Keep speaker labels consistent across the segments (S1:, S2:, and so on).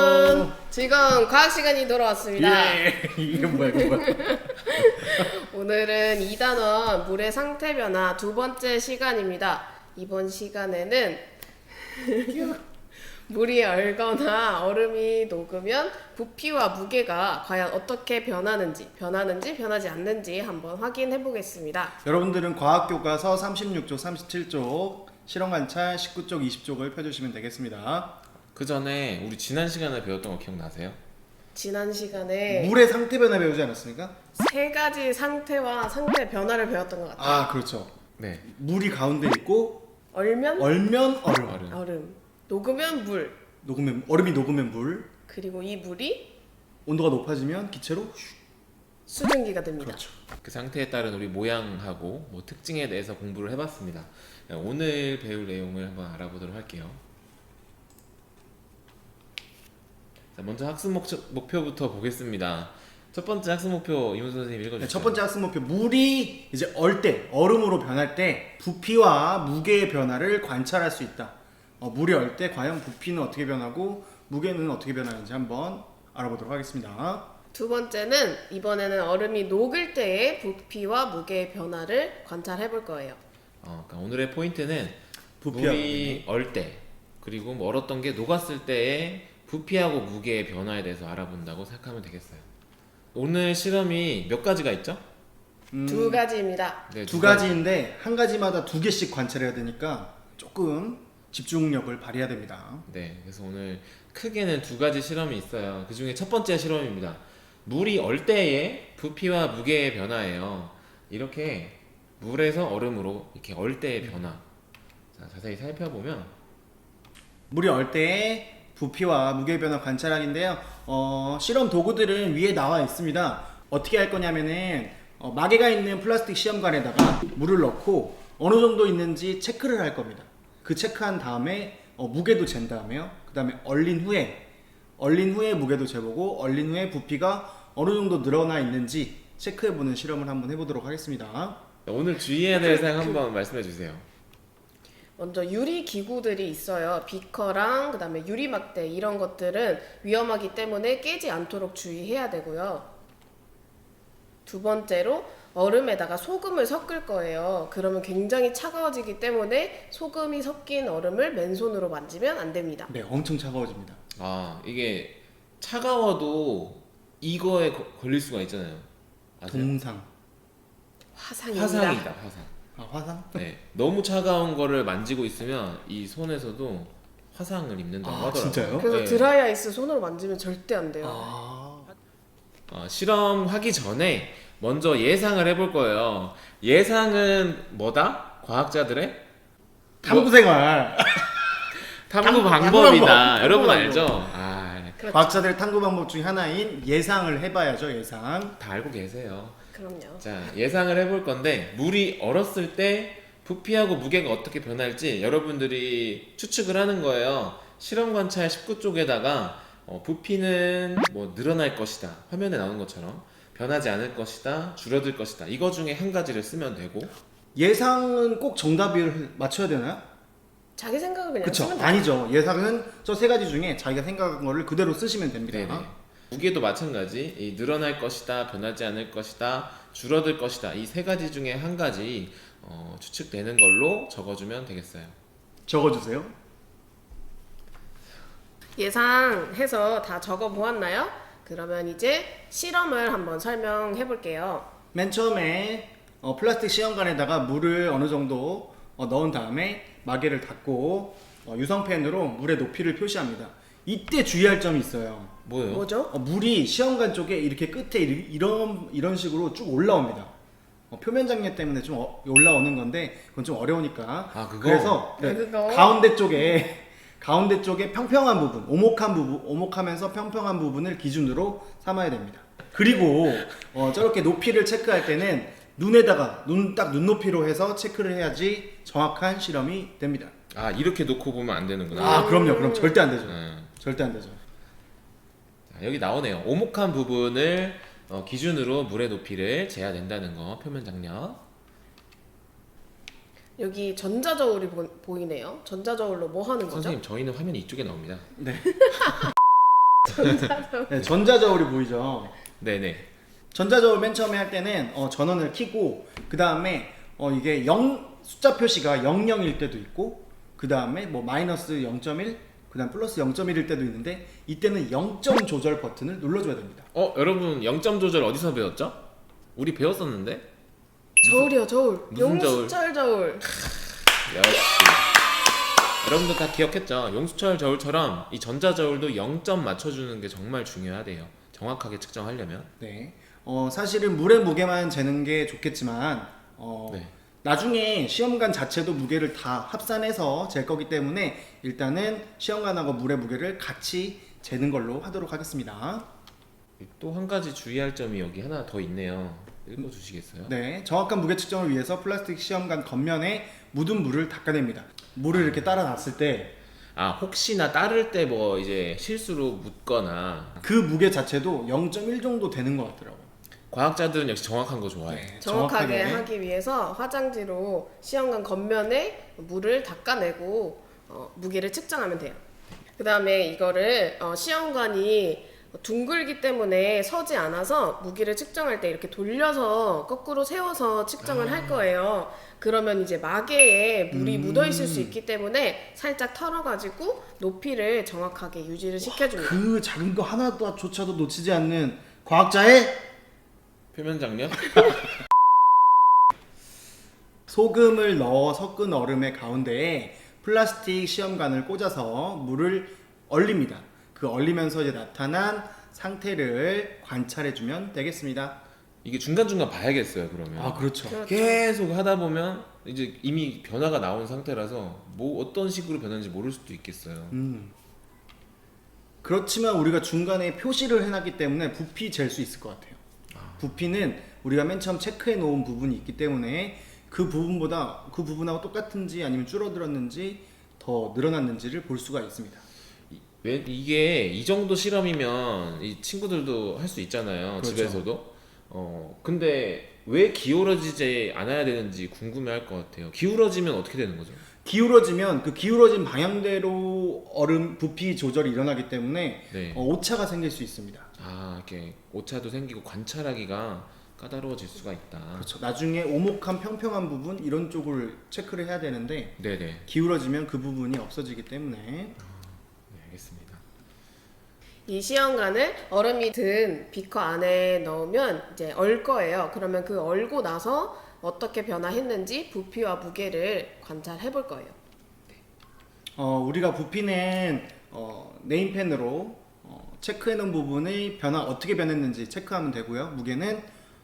S1: 여러분, 지금 과학 시간이 돌아왔습니다.
S2: 이게 뭐야, 이거 뭐야.
S1: 오늘은 2단원 물의 상태 변화 두 번째 시간입니다. 이번 시간에는 물이 얼거나 얼음이 녹으면 부피와 무게가 과연 어떻게 변하는지 변하지 않는지 한번 확인해 보겠습니다.
S2: 여러분들은 과학교과서 36쪽, 37쪽, 실험관찰 19쪽, 20쪽을 펴주시면 되겠습니다.
S3: 그 전에 우리 지난 시간에 배웠던 거 기억나세요?
S1: 지난 시간에
S2: 물의 상태 변화 배우지 않았습니까?
S1: 세 가지 상태와 상태 변화를 배웠던 것 같아요.
S2: 아, 그렇죠.
S3: 네.
S2: 물이 가운데 있고
S1: 얼면
S2: 얼면 얼음.
S1: 얼음, 녹으면 물,
S2: 얼음이 녹으면 물.
S1: 그리고 이 물이
S2: 온도가 높아지면 기체로
S1: 수증기가 됩니다.
S2: 그렇죠.
S3: 그 상태에 따른 우리 모양하고 뭐 특징에 대해서 공부를 해봤습니다. 오늘 배울 내용을 한번 알아보도록 할게요. 자, 먼저 학습 목표부터 보겠습니다. 첫 번째 학습 목표 이문 선생님 읽어주세요.
S2: 첫 번째 학습 목표, 물이 이제 얼 때, 얼음으로 변할 때 부피와 무게의 변화를 관찰할 수 있다. 물이 얼 때 과연 부피는 어떻게 변하고 무게는 어떻게 변하는지 한번 알아보도록 하겠습니다.
S1: 두 번째는 이번에는 얼음이 녹을 때의 부피와 무게의 변화를 관찰해 볼 거예요.
S3: 그러니까 오늘의 포인트는
S2: 부피와
S3: 물이 얼 때, 그리고 뭐 얼었던 게 녹았을 때의 부피하고 무게의 변화에 대해서 알아본다고 생각하면 되겠어요. 오늘 실험이 몇 가지가 있죠?
S1: 두 가지입니다.
S3: 네,
S2: 두 가지인데 한 가지마다 두 개씩 관찰해야 되니까 조금 집중력을 발휘해야 됩니다.
S3: 네, 그래서 오늘 크게는 두 가지 실험이 있어요. 그 중에 첫 번째 실험입니다. 물이 얼 때의 부피와 무게의 변화예요. 이렇게 물에서 얼음으로 이렇게 얼 때의 변화. 자, 자세히 살펴보면
S2: 물이 얼 때의 부피와 무게의 변화 관찰하기인데요. 실험 도구들은 위에 나와 있습니다. 어떻게 할 거냐면은 마개가 있는 플라스틱 시험관에다가 물을 넣고 어느 정도 있는지 체크를 할 겁니다. 그 체크한 다음에 무게도 잰 다음에요. 그 다음에 얼린 후에 무게도 재보고 얼린 후에 부피가 어느 정도 늘어나 있는지 체크해보는 실험을 한번 해보도록 하겠습니다.
S3: 오늘 주의해야 될 사항 한번 말씀해 주세요.
S1: 먼저 유리 기구들이 있어요. 비커랑 그다음에 유리 막대 이런 것들은 위험하기 때문에 깨지 않도록 주의해야 되고요. 두 번째로 얼음에다가 소금을 섞을 거예요. 그러면 굉장히 차가워지기 때문에 소금이 섞인 얼음을 맨손으로 만지면 안 됩니다.
S2: 네, 엄청 차가워집니다.
S3: 이게 차가워도 이거에 걸릴 수가 있잖아요. 아세요?
S2: 동상.
S1: 화상입니다.
S3: 화상이다, 화상.
S2: 화상?
S3: 네, 너무 차가운 거를 만지고 있으면 이 손에서도 화상을 입는다고 하더라고요.
S2: 진짜요?
S1: 그래서
S3: 네.
S1: 드라이 아이스 손으로 만지면 절대 안 돼요.
S3: 실험하기 전에 먼저 예상을 해볼 거예요. 예상은 뭐다? 과학자들의
S2: 탐구생활.
S3: 탐구
S2: 방법.
S3: 방법이다. 여러분
S2: 탐구
S3: 알죠?
S1: 그렇죠.
S2: 과학자들의 탐구 방법 중 하나인 예상을 해봐야죠. 예상.
S3: 다 알고 계세요.
S1: 그럼요.
S3: 자, 예상을 해볼 건데 물이 얼었을 때 부피하고 무게가 어떻게 변할지 여러분들이 추측을 하는 거예요. 실험 관찰 19쪽에다가 부피는 뭐 늘어날 것이다. 화면에 나오는 것처럼 변하지 않을 것이다. 줄어들 것이다. 이거 중에 한 가지를 쓰면 되고.
S2: 예상은 꼭 정답을 맞춰야 되나요?
S1: 자기 생각을 그냥
S2: 그쵸?
S1: 쓰면 돼요.
S2: 아니죠. 예상은 저 세 가지 중에 자기가 생각한 거를 그대로 쓰시면 됩니다.
S3: 네네. 무게도 마찬가지. 이 늘어날 것이다. 변하지 않을 것이다. 줄어들 것이다. 이 세 가지 중에 한 가지 추측되는 걸로 적어주면 되겠어요.
S2: 적어주세요.
S1: 예상해서 다 적어 보았나요? 그러면 이제 실험을 한번 설명해 볼게요.
S2: 맨 처음에 플라스틱 시험관에다가 물을 어느 정도 넣은 다음에 마개를 닫고 유성펜으로 물의 높이를 표시합니다. 이때 주의할 점이 있어요.
S3: 뭐예요?
S1: 뭐죠?
S2: 물이 시험관 쪽에 이렇게 끝에 이런 식으로 쭉 올라옵니다. 표면 장력 때문에 좀 올라오는 건데 그건 좀 어려우니까.
S3: 그거?
S2: 그래서 네,
S1: 그거?
S2: 가운데 쪽에 평평한 부분, 오목하면서 평평한 부분을 기준으로 삼아야 됩니다. 그리고 저렇게 높이를 체크할 때는 눈에다가 딱 눈높이로 해서 체크를 해야지 정확한 실험이 됩니다.
S3: 이렇게 놓고 보면 안 되는구나.
S2: 그럼요. 그럼 절대 안 되죠.
S3: 네.
S2: 절대 안 되죠.
S3: 자, 여기 나오네요. 오목한 부분을 기준으로 물의 높이를 재야 된다는 거. 표면 장력.
S1: 여기 전자저울이 보이네요. 전자저울로 뭐 하는 거죠?
S3: 선생님, 저희는 화면이 이쪽에 나옵니다.
S2: 네. 네, 전자저울이 보이죠.
S3: 네네.
S2: 전자저울 맨 처음에 할 때는 전원을 켜고 그 다음에 이게 0 숫자 표시가 00일 때도 있고 그 다음에 뭐 마이너스 0.1 그 다음 플러스 0.1일 때도 있는데 이때는 0점 조절 버튼을 눌러줘야 됩니다.
S3: 여러분 0점 조절 어디서 배웠죠? 우리 배웠었는데?
S1: 저울이요, 저울.
S3: 무슨 저울?
S1: 용수철 저울.
S3: 역시 여러분도 다 기억했죠? 용수철 저울처럼 이 전자저울도 0점 맞춰주는 게 정말 중요하대요. 정확하게 측정하려면.
S2: 네. 사실은 물의 무게만 재는 게 좋겠지만
S3: 네.
S2: 나중에 시험관 자체도 무게를 다 합산해서 잴 거기 때문에 일단은 시험관하고 물의 무게를 같이 재는 걸로 하도록 하겠습니다.
S3: 또 한 가지 주의할 점이 여기 하나 더 있네요. 읽어주시겠어요?
S2: 네, 정확한 무게 측정을 위해서 플라스틱 시험관 겉면에 묻은 물을 닦아냅니다. 물을 이렇게 따라 놨을 때
S3: 혹시나 따를 때 뭐 이제 실수로 묻거나
S2: 그 무게 자체도 0.1 정도 되는 것 같더라고요.
S3: 과학자들은 역시 정확한 거 좋아해.
S2: 네,
S1: 정확하게 하기 위해서 화장지로 시험관 겉면에 물을 닦아내고 무게를 측정하면 돼요. 그 다음에 이거를 시험관이 둥글기 때문에 서지 않아서 무게를 측정할 때 이렇게 돌려서 거꾸로 세워서 측정을 할 거예요. 그러면 이제 마개에 물이 묻어 있을 수 있기 때문에 살짝 털어가지고 높이를 정확하게 유지를 시켜줍니다.
S2: 그 작은 거 하나조차도 놓치지 않는 과학자의
S3: 표면 장력?
S2: 소금을 넣어 섞은 얼음의 가운데에 플라스틱 시험관을 꽂아서 물을 얼립니다. 그 얼리면서 이제 나타난 상태를 관찰해주면 되겠습니다.
S3: 이게 중간중간 봐야겠어요, 그러면.
S2: 아, 그렇죠.
S1: 그렇죠.
S3: 계속 하다 보면 이제 이미 변화가 나온 상태라서 뭐 어떤 식으로 변하는지 모를 수도 있겠어요.
S2: 그렇지만 우리가 중간에 표시를 해놨기 때문에 부피 잴 수 있을 것 같아요. 부피는 우리가 맨 처음 체크해 놓은 부분이 있기 때문에 그 부분하고 똑같은지 아니면 줄어들었는지 더 늘어났는지를 볼 수가 있습니다.
S3: 이게 이 정도 실험이면 이 친구들도 할 수 있잖아요.
S2: 그렇죠.
S3: 집에서도. 근데 왜 기울어지지 않아야 되는지 궁금해할 것 같아요. 기울어지면 어떻게 되는 거죠?
S2: 기울어지면 그 기울어진 방향대로 얼음 부피 조절이 일어나기 때문에
S3: 네.
S2: 오차가 생길 수 있습니다.
S3: 이렇게 오차도 생기고 관찰하기가 까다로워질 수가 있다.
S2: 그렇죠. 나중에 오목한 평평한 부분 이런 쪽을 체크를 해야 되는데
S3: 네네.
S2: 기울어지면 그 부분이 없어지기 때문에
S3: 네, 알겠습니다.
S1: 이 시험관을 얼음이 든 비커 안에 넣으면 이제 얼 거예요. 그러면 그 얼고 나서 어떻게 변화했는지 부피와 무게를 관찰해 볼 거예요.
S2: 우리가 부피는 네임펜으로 체크해 놓은 부분의 변화 어떻게 변했는지 체크하면 되고요. 무게는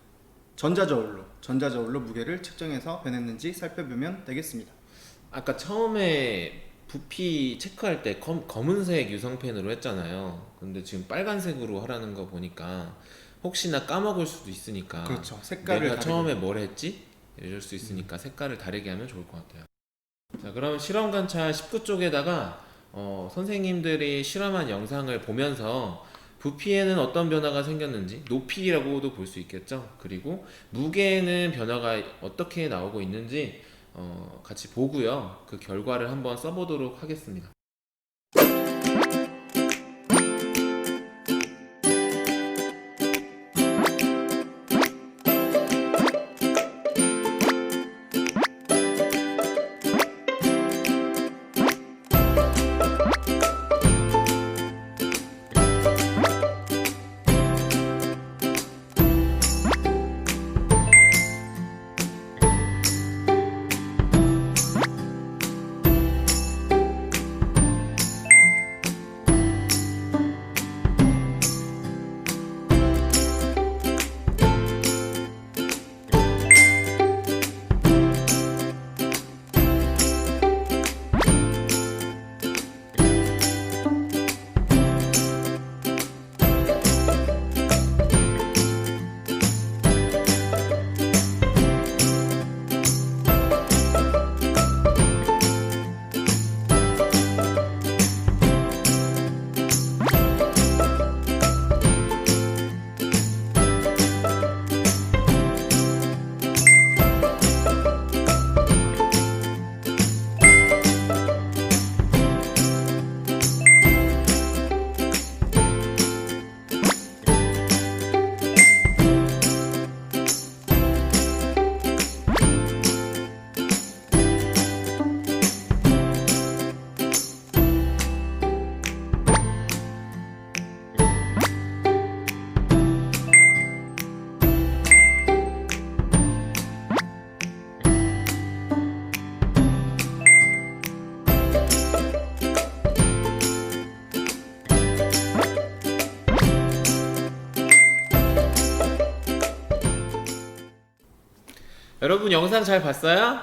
S2: 전자저울로 무게를 측정해서 변했는지 살펴보면 되겠습니다.
S3: 아까 처음에 부피 체크할 때 검은색 유성펜으로 했잖아요. 근데 지금 빨간색으로 하라는 거 보니까 혹시나 까먹을 수도 있으니까
S2: 그렇죠. 색깔을
S3: 내가
S2: 다르게.
S3: 처음에 뭘 했지? 이럴 수 있으니까 색깔을 다르게 하면 좋을 것 같아요. 자, 그럼 실험 관찰 19쪽에다가 선생님들이 실험한 영상을 보면서 부피에는 어떤 변화가 생겼는지 높이라고도 볼 수 있겠죠. 그리고 무게에는 변화가 어떻게 나오고 있는지 같이 보고요. 그 결과를 한번 써보도록 하겠습니다. 여러분 영상 잘 봤어요?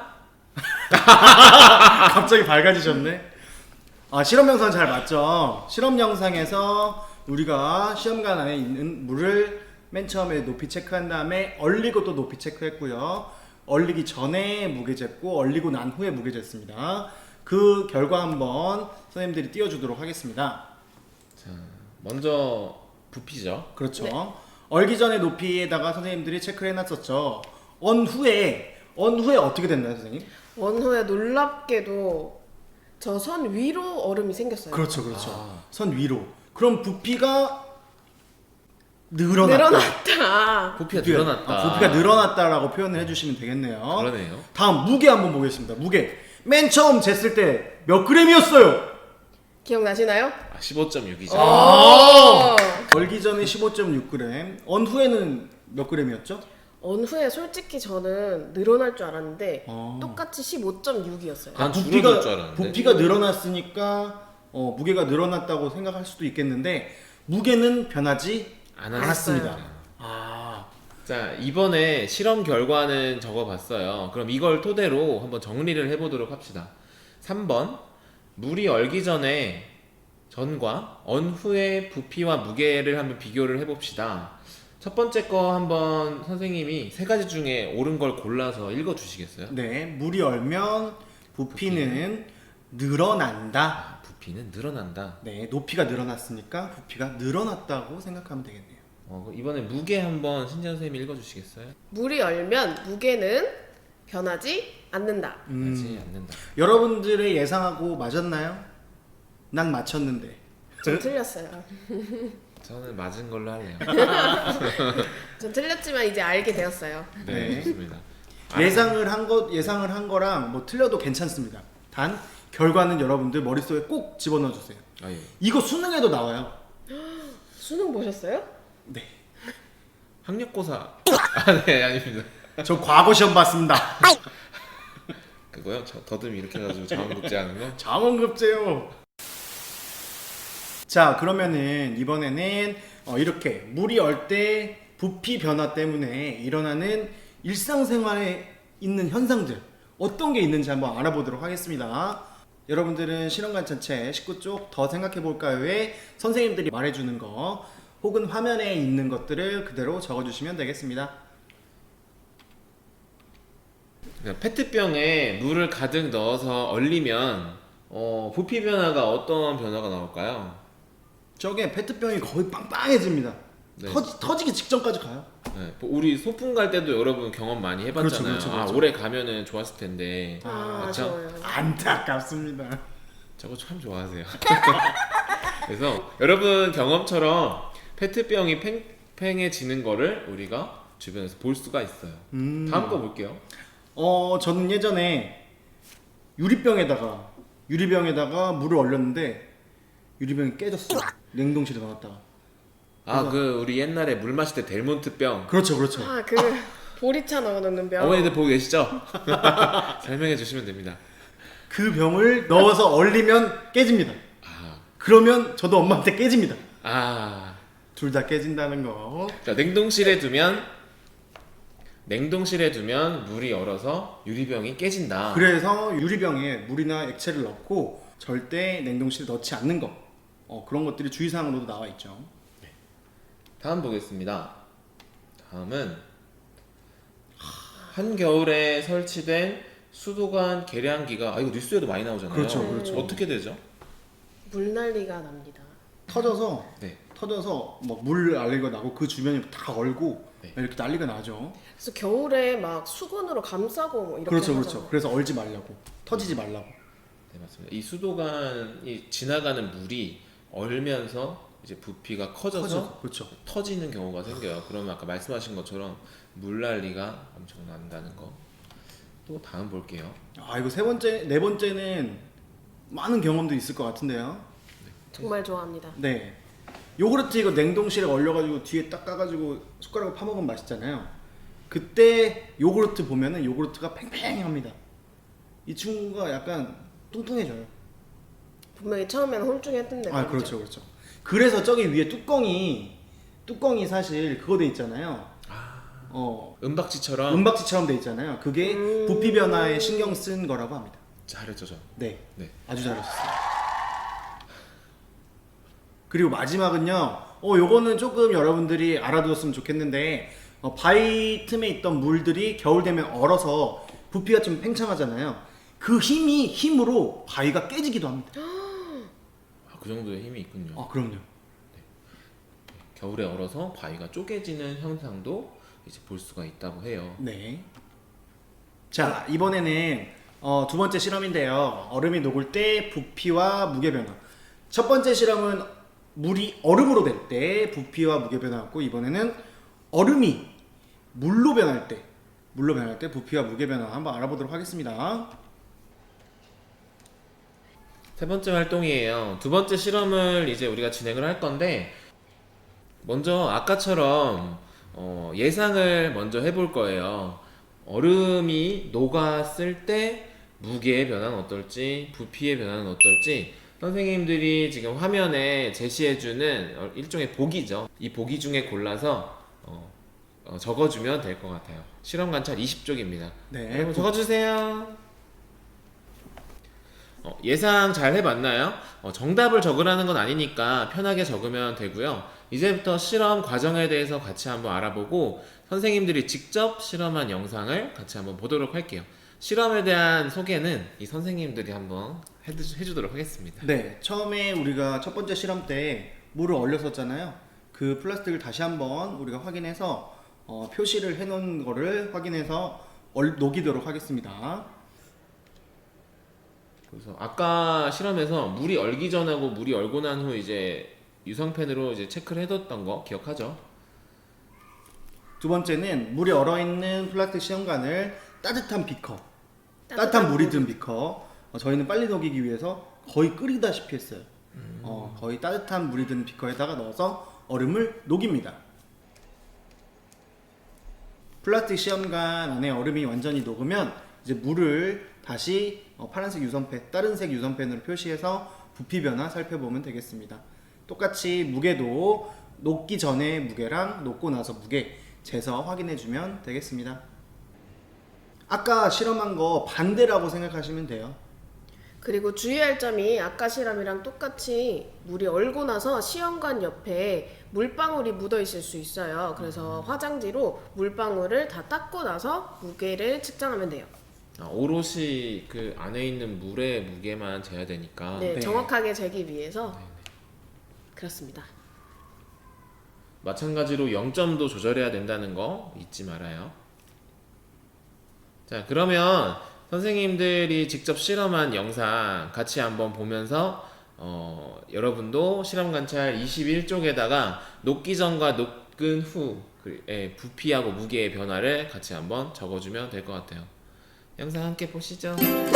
S2: 갑자기 밝아지셨네. 아, 실험 영상 잘 봤죠? 실험 영상에서 우리가 시험관 안에 있는 물을 맨 처음에 높이 체크한 다음에 얼리고 또 높이 체크했고요. 얼리기 전에 무게 쟀고 얼리고 난 후에 무게 쟀습니다. 그 결과 한번 선생님들이 띄워주도록 하겠습니다.
S3: 자, 먼저 부피죠.
S2: 그렇죠.
S1: 네.
S2: 얼기 전에 높이에다가 선생님들이 체크를 해놨었죠. 언 후에 어떻게 됐나요, 선생님?
S1: 원후에 놀랍게도 저 선 위로 얼음이 생겼어요.
S2: 그렇죠, 그렇죠.
S3: 아.
S2: 선 위로. 그럼 부피가 늘어났다.
S1: 늘어났다.
S3: 부피가 늘어났다.
S2: 부피가 늘어났다라고 표현을 해주시면 되겠네요.
S3: 그러네요.
S2: 다음 무게 한번 보겠습니다. 무게. 맨 처음 쟀을 때 몇 그램이었어요?
S1: 기억나시나요?
S3: 아, 15.6이죠.
S1: 어.
S2: 얼기 전에 15.6g. 언 후에는 몇 그램이었죠?
S1: 언후에 솔직히 저는 늘어날 줄 알았는데
S2: 어.
S1: 똑같이 15.6이었어요.
S3: 난 줄어들 줄 알았는데.
S2: 부피가 늘어났으니까 무게가 늘어났다고 생각할 수도 있겠는데 무게는 변하지 않았습니다. 아,
S3: 자, 이번에 실험 결과는 적어봤어요. 그럼 이걸 토대로 한번 정리를 해보도록 합시다. 3번, 물이 얼기 전과 언 후의 부피와 무게를 한번 비교를 해봅시다. 첫 번째 거 한번 선생님이 세 가지 중에 옳은 걸 골라서 읽어주시겠어요?
S2: 네, 물이 얼면 부피는 늘어난다.
S3: 아, 부피는 늘어난다.
S2: 네, 높이가 늘어났으니까 부피가 늘어났다고 생각하면 되겠네요.
S3: 이번에 무게 한번 신지현 선생님이 읽어주시겠어요?
S1: 물이 얼면 무게는 변하지 않는다.
S3: 하지 않는다.
S2: 여러분들의 예상하고 맞았나요? 난 맞췄는데.
S1: 전 틀렸어요.
S3: 저는 맞은 걸로 할래요.
S1: 전 틀렸지만 이제 알게 되었어요.
S3: 네,
S2: 네.
S3: 좋습니다.
S2: 예상을 한 거랑 뭐 틀려도 괜찮습니다. 단 결과는 여러분들 머릿속에 꼭 집어넣어 주세요.
S3: 아, 예.
S2: 이거 수능에도 나와요.
S1: 수능 보셨어요?
S2: 네.
S3: 학력고사. 아, 네, 아닙니다.
S2: 저 과거 시험 봤습니다.
S3: 그거요? 저 더듬이 이렇게 해가지고 자원급제하는 거?
S2: 장원급제요. 자, 그러면은 이번에는 이렇게 물이 얼 때 부피 변화 때문에 일어나는 일상생활에 있는 현상들 어떤 게 있는지 한번 알아보도록 하겠습니다. 여러분들은 실험관찰체 19쪽 더 생각해 볼까요에 선생님들이 말해주는 거 혹은 화면에 있는 것들을 그대로 적어주시면 되겠습니다.
S3: 페트병에 물을 가득 넣어서 얼리면 부피 변화가 어떤 변화가 나올까요?
S2: 저게 페트병이 거의 빵빵해집니다.
S3: 네.
S2: 터지기 직전까지 가요.
S3: 네, 우리 소풍 갈 때도 여러분 경험 많이 해봤잖아요.
S2: 그렇죠, 그렇죠.
S3: 아, 올해 가면은 좋았을 텐데.
S1: 아,
S3: 맞죠?
S1: 아쉬워요.
S2: 안타깝습니다.
S3: 저거 참 좋아하세요. 그래서 여러분 경험처럼 페트병이 팽팽해지는 거를 우리가 주변에서 볼 수가 있어요. 다음 거 볼게요.
S2: 저는 예전에 유리병에다가 물을 얼렸는데 유리병이 깨졌어요. 냉동실에 넣었다가.
S3: 아, 우리 옛날에 물 마실 때 델몬트 병.
S2: 그렇죠, 그렇죠.
S1: 아, 그 보리차 넣어놓는 병.
S3: 어머니들 보고 계시죠? 설명해 주시면 됩니다.
S2: 그 병을 넣어서 얼리면 깨집니다.
S3: 아,
S2: 그러면 저도 엄마한테 깨집니다.
S3: 아.
S2: 둘 다 깨진다는 거.
S3: 자, 냉동실에 두면 물이 얼어서 유리병이 깨진다.
S2: 그래서 유리병에 물이나 액체를 넣고 절대 냉동실에 넣지 않는 거. 그런 것들이 주의사항으로도 나와 있죠.
S3: 다음 보겠습니다. 다음은 한겨울에 설치된 수도관 계량기가 이거 뉴스에도 많이 나오잖아요.
S2: 그렇죠, 그렇죠.
S3: 어떻게 되죠?
S1: 물난리가 납니다.
S2: 터져서
S3: 네.
S2: 막 물 난리가 나고 그 주변이 다 얼고
S3: 네.
S2: 이렇게 난리가 나죠.
S1: 그래서 겨울에 막 수건으로 감싸고 뭐 이렇게
S2: 그렇죠,
S1: 하잖아요.
S2: 그렇죠. 그래서 얼지 말라고, 터지지 말라고.
S3: 네, 맞습니다. 이 수도관이 지나가는 물이 얼면서 이제 부피가 커져서
S2: 그렇죠.
S3: 터지는 경우가 생겨요. 그러면 아까 말씀하신 것처럼 물난리가 엄청 난다는 거. 또 다음 볼게요.
S2: 이거 네 번째는 많은 경험도 있을 것 같은데요.
S1: 정말 좋아합니다.
S2: 네. 요구르트 이거 냉동실에 얼려가지고 뒤에 딱 까가지고 숟가락으로 파먹으면 맛있잖아요. 그때 요구르트 보면은 요구르트가 팽팽합니다. 이 친구가 약간 뚱뚱해져요.
S1: 분명히 처음에는 홀쭉했던데. 말이죠.
S2: 그렇죠, 그렇죠. 그래서 저기 위에 뚜껑이 사실 그거 돼 있잖아요.
S3: 은박지처럼.
S2: 은박지처럼 돼 있잖아요. 그게 부피 변화에 신경 쓴 거라고 합니다.
S3: 잘했죠, 저.
S2: 네,
S3: 네.
S2: 아주 잘하셨어요. 그리고 마지막은요. 요거는 조금 여러분들이 알아두었으면 좋겠는데 바위 틈에 있던 물들이 겨울 되면 얼어서 부피가 좀 팽창하잖아요. 그 힘으로 바위가 깨지기도 합니다.
S3: 아, 그 정도의 힘이 있군요.
S2: 아, 그럼요.
S3: 겨울에 얼어서 바위가 쪼개지는 현상도 이제 볼 수가 있다고 해요.
S2: 네. 자, 이번에는 두 번째 실험인데요. 얼음이 녹을 때 부피와 무게 변화. 첫 번째 실험은 물이 얼음으로 될 때 부피와 무게 변화였고, 이번에는 얼음이 물로 변할 때 부피와 무게 변화 한번 알아보도록 하겠습니다.
S3: 세 번째 활동이에요. 두 번째 실험을 이제 우리가 진행을 할 건데, 먼저 아까처럼 예상을 먼저 해볼 거예요. 얼음이 녹았을 때 무게의 변화는 어떨지, 부피의 변화는 어떨지 선생님들이 지금 화면에 제시해주는 일종의 보기죠. 이 보기 중에 골라서 적어주면 될 것 같아요. 실험 관찰 20쪽입니다.
S2: 네.
S3: 여러분 적어주세요. 예상 잘 해봤나요? 정답을 적으라는 건 아니니까 편하게 적으면 되고요. 이제부터 실험 과정에 대해서 같이 한번 알아보고 선생님들이 직접 실험한 영상을 같이 한번 보도록 할게요. 실험에 대한 소개는 이 선생님들이 한번 해주도록 하겠습니다.
S2: 네, 처음에 우리가 첫 번째 실험 때 물을 얼렸었잖아요. 그 플라스틱을 다시 한번 우리가 확인해서 표시를 해놓은 거를 확인해서 녹이도록 하겠습니다.
S3: 그래서 아까 실험에서 물이 얼기 전하고 물이 얼고 난 후 이제 유성펜으로 이제 체크를 해뒀던 거 기억하죠?
S2: 두 번째는 물이 얼어있는 플라스틱 시험관을 따뜻한 물이 든 비커, 저희는 빨리 녹이기 위해서 거의 끓이다시피 했어요. 거의 따뜻한 물이 든 비커에다가 넣어서 얼음을 녹입니다. 플라스틱 시험관 안에 얼음이 완전히 녹으면 이제 물을 다시 파란색 유선펜, 다른 색 유선펜으로 표시해서 부피 변화 살펴보면 되겠습니다. 똑같이 무게도 녹기 전에 무게랑 녹고 나서 무게 재서 확인해주면 되겠습니다. 아까 실험한 거 반대라고 생각하시면 돼요.
S1: 그리고 주의할 점이 아까 실험이랑 똑같이 물이 얼고 나서 시험관 옆에 물방울이 묻어 있을 수 있어요. 그래서 화장지로 물방울을 다 닦고 나서 무게를 측정하면 돼요.
S3: 오롯이 그 안에 있는 물의 무게만 재야 되니까.
S1: 네,
S2: 네.
S1: 정확하게 재기 위해서 그렇습니다.
S3: 마찬가지로 0점도 조절해야 된다는 거 잊지 말아요. 자, 그러면 선생님들이 직접 실험한 영상 같이 한번 보면서 여러분도 실험 관찰 21쪽에다가 녹기 전과 녹은 후의 부피하고 무게의 변화를 같이 한번 적어주면 될 것 같아요. 영상 함께 보시죠.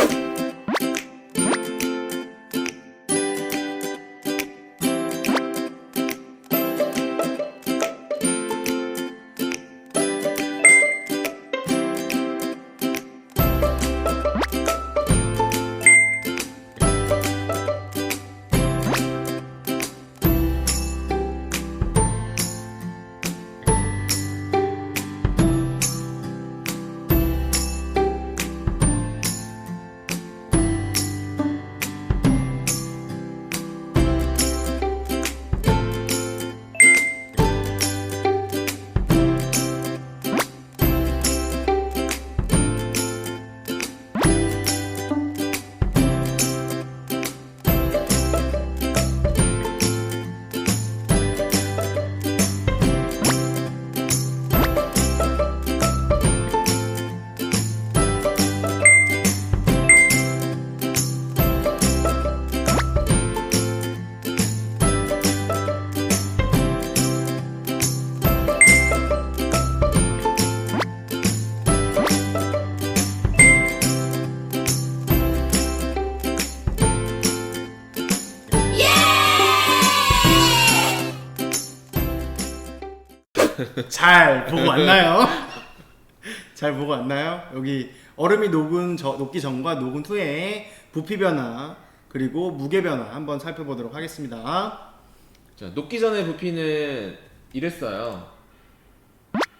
S2: 잘 보고 왔나요? 잘 보고 왔나요? 여기 얼음이 녹기 전과 녹은 후에 부피 변화 그리고 무게 변화 한번 살펴보도록 하겠습니다.
S3: 자, 녹기 전의 부피는 이랬어요.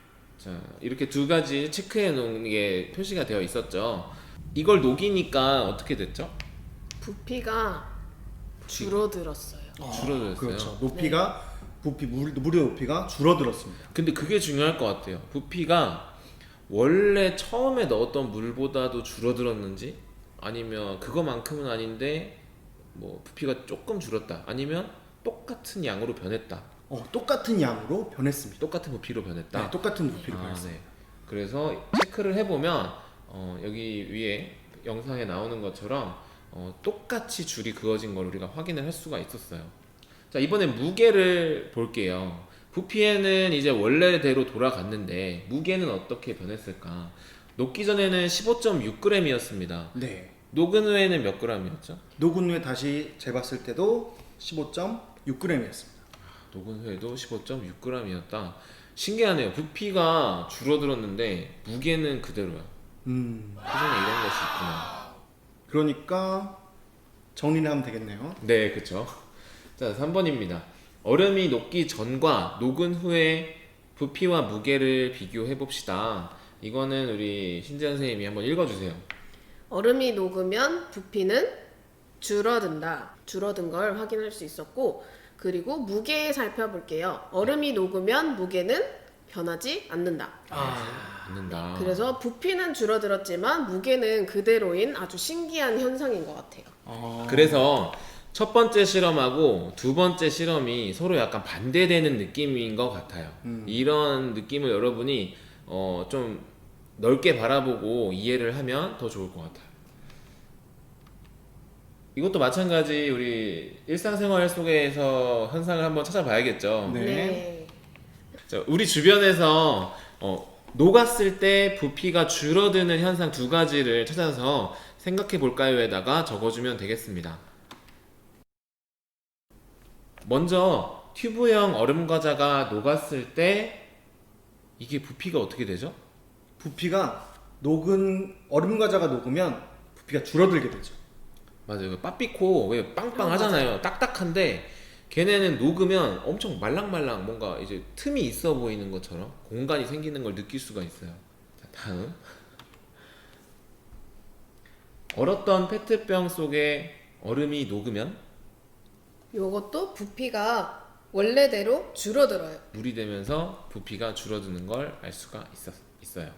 S3: 자, 이렇게 두 가지 체크해 놓은 게 표시가 되어 있었죠. 이걸 녹이니까 어떻게 됐죠?
S1: 부피가 줄어들었어요.
S3: 줄어들었어요.
S2: 그렇죠. 높이가 물의 높이가 줄어들었습니다.
S3: 근데 그게 중요할 것 같아요. 부피가 원래 처음에 넣었던 물보다도 줄어들었는지, 아니면 그거만큼은 아닌데 뭐 부피가 조금 줄었다, 아니면 똑같은 양으로 변했다,
S2: 똑같은 양으로 변했습니다.
S3: 똑같은 부피로 변했다.
S2: 네, 똑같은 부피로 변했습니다.
S3: 네. 그래서 체크를 해보면 여기 위에 영상에 나오는 것처럼 똑같이 줄이 그어진 걸 우리가 확인을 할 수가 있었어요. 자, 이번엔 무게를 볼게요. 부피에는 이제 원래대로 돌아갔는데 무게는 어떻게 변했을까? 녹기 전에는 15.6g이었습니다.
S2: 네.
S3: 녹은 후에는 몇 g이었죠?
S2: 녹은 후에 다시 재봤을 때도 15.6g이었습니다.
S3: 녹은 후에도 15.6g이었다. 신기하네요. 부피가 줄어들었는데 무게는 그대로야. 세상에 이런 것이 있구나.
S2: 그러니까 정리를 하면 되겠네요.
S3: 네, 그쵸. 자, 3번입니다. 얼음이 녹기 전과 녹은 후에 부피와 무게를 비교해 봅시다. 이거는 우리 신재현 선생님이 한번 읽어주세요.
S1: 얼음이 녹으면 부피는 줄어든다. 줄어든 걸 확인할 수 있었고, 그리고 무게 살펴볼게요. 얼음이 녹으면 무게는 변하지 않는다.
S3: 않는다.
S1: 그래서 부피는 줄어들었지만 무게는 그대로인 아주 신기한 현상인 것 같아요.
S3: 그래서 첫 번째 실험하고 두 번째 실험이 서로 약간 반대되는 느낌인 것 같아요. 이런 느낌을 여러분이 좀 넓게 바라보고 이해를 하면 더 좋을 것 같아요. 이것도 마찬가지 우리 일상생활 속에서 현상을 한번 찾아봐야겠죠.
S2: 네.
S3: 자, 우리 주변에서 녹았을 때 부피가 줄어드는 현상 두 가지를 찾아서 생각해 볼까요에다가 적어주면 되겠습니다. 먼저 튜브형 얼음 과자가 녹았을 때 이게 부피가 어떻게 되죠?
S2: 부피가 녹은 얼음 과자가 녹으면 부피가 줄어들게 되죠.
S3: 맞아요. 그 빠삐코 왜 빵빵하잖아요. 딱딱한데 걔네는 녹으면 엄청 말랑말랑 뭔가 이제 틈이 있어 보이는 것처럼 공간이 생기는 걸 느낄 수가 있어요. 자, 다음. 얼었던 페트병 속에 얼음이 녹으면
S1: 요것도 부피가 원래대로 줄어들어요.
S3: 물이 되면서 부피가 줄어드는 걸 알 수가 있어요.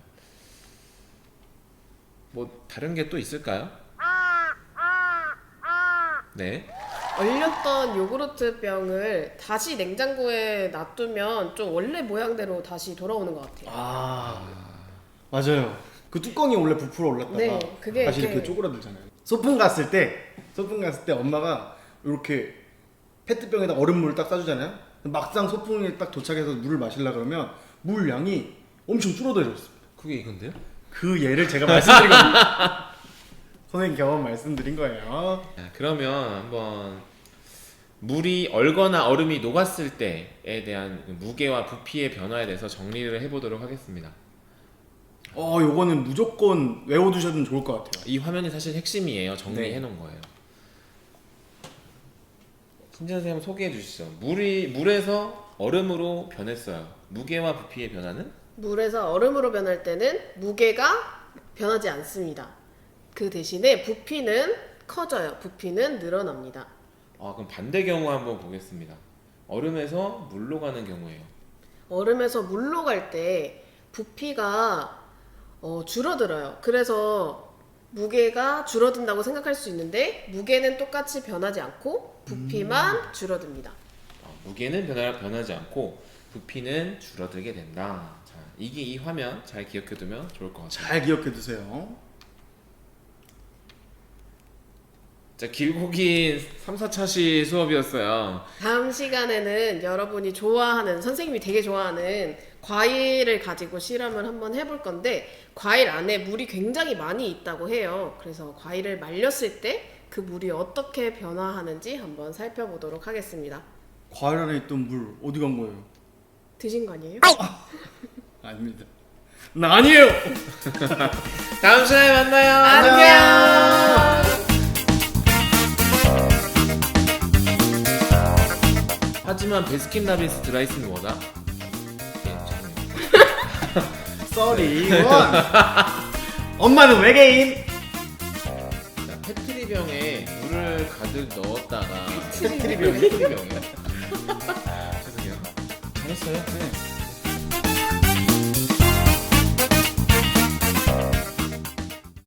S3: 뭐 다른 게 또 있을까요? 네.
S1: 얼렸던 요구르트 병을 다시 냉장고에 놔두면 좀 원래 모양대로 다시 돌아오는 것 같아요.
S2: 맞아요. 그 뚜껑이 원래 부풀어 올랐다가
S1: 네, 그게
S2: 다시
S1: 이렇게-
S2: 이렇게 쪼그라들잖아요. 소풍 갔을 때 엄마가 이렇게 페트병에다 얼음물을 딱 싸주잖아요. 막상 소풍에 딱 도착해서 물을 마시려 그러면 물 양이 엄청 줄어들었습니다.
S3: 그게 이건데요?
S2: 그 예를 제가 말씀드린 겁니다. 선생님 경험 말씀드린 거예요.
S3: 자, 그러면 한번 물이 얼거나 얼음이 녹았을 때에 대한 무게와 부피의 변화에 대해서 정리를 해보도록 하겠습니다.
S2: 요거는 무조건 외워두셔도 좋을 것 같아요.
S3: 이 화면이 사실 핵심이에요. 정리해 놓은 거예요. 신재현 선생님 소개해 주시죠. 물에서 얼음으로 변했어요. 무게와 부피의 변화는?
S1: 물에서 얼음으로 변할 때는 무게가 변하지 않습니다. 그 대신에 부피는 커져요. 부피는 늘어납니다.
S3: 그럼 반대 경우 한번 보겠습니다. 얼음에서 물로 가는 경우예요.
S1: 얼음에서 물로 갈 때 부피가 줄어들어요. 그래서 무게가 줄어든다고 생각할 수 있는데 무게는 똑같이 변하지 않고 부피만 줄어듭니다.
S3: 무게는 변하지 않고 부피는 줄어들게 된다. 자, 이게 이 화면 잘 기억해두면 좋을 것 같아요.
S2: 잘 기억해 두세요.
S3: 자, 길고 긴 3, 4차시 수업이었어요.
S1: 다음 시간에는 여러분이 좋아하는, 선생님이 되게 좋아하는 과일을 가지고 실험을 한번 해볼 건데, 과일 안에 물이 굉장히 많이 있다고 해요. 그래서 과일을 말렸을 때 그 물이 어떻게 변화하는지 한번 살펴보도록 하겠습니다.
S2: 과일 안에 있던 물 어디 간 거예요?
S1: 드신 거 아니에요?
S2: 아닙니다. 나 아니에요.
S3: 다음 시간에 만나요.
S1: 안녕!
S3: 하지만 베스킨라빈스 드라이슨 뭐다? 예, 죄송해요.
S2: 썰이 원. 엄마는 외계인.
S3: 자, 페트리병에 물을 가득 넣었다가
S2: 페트리병.
S3: 페트리병이요? 죄송해요.
S2: 잘했어요. 네.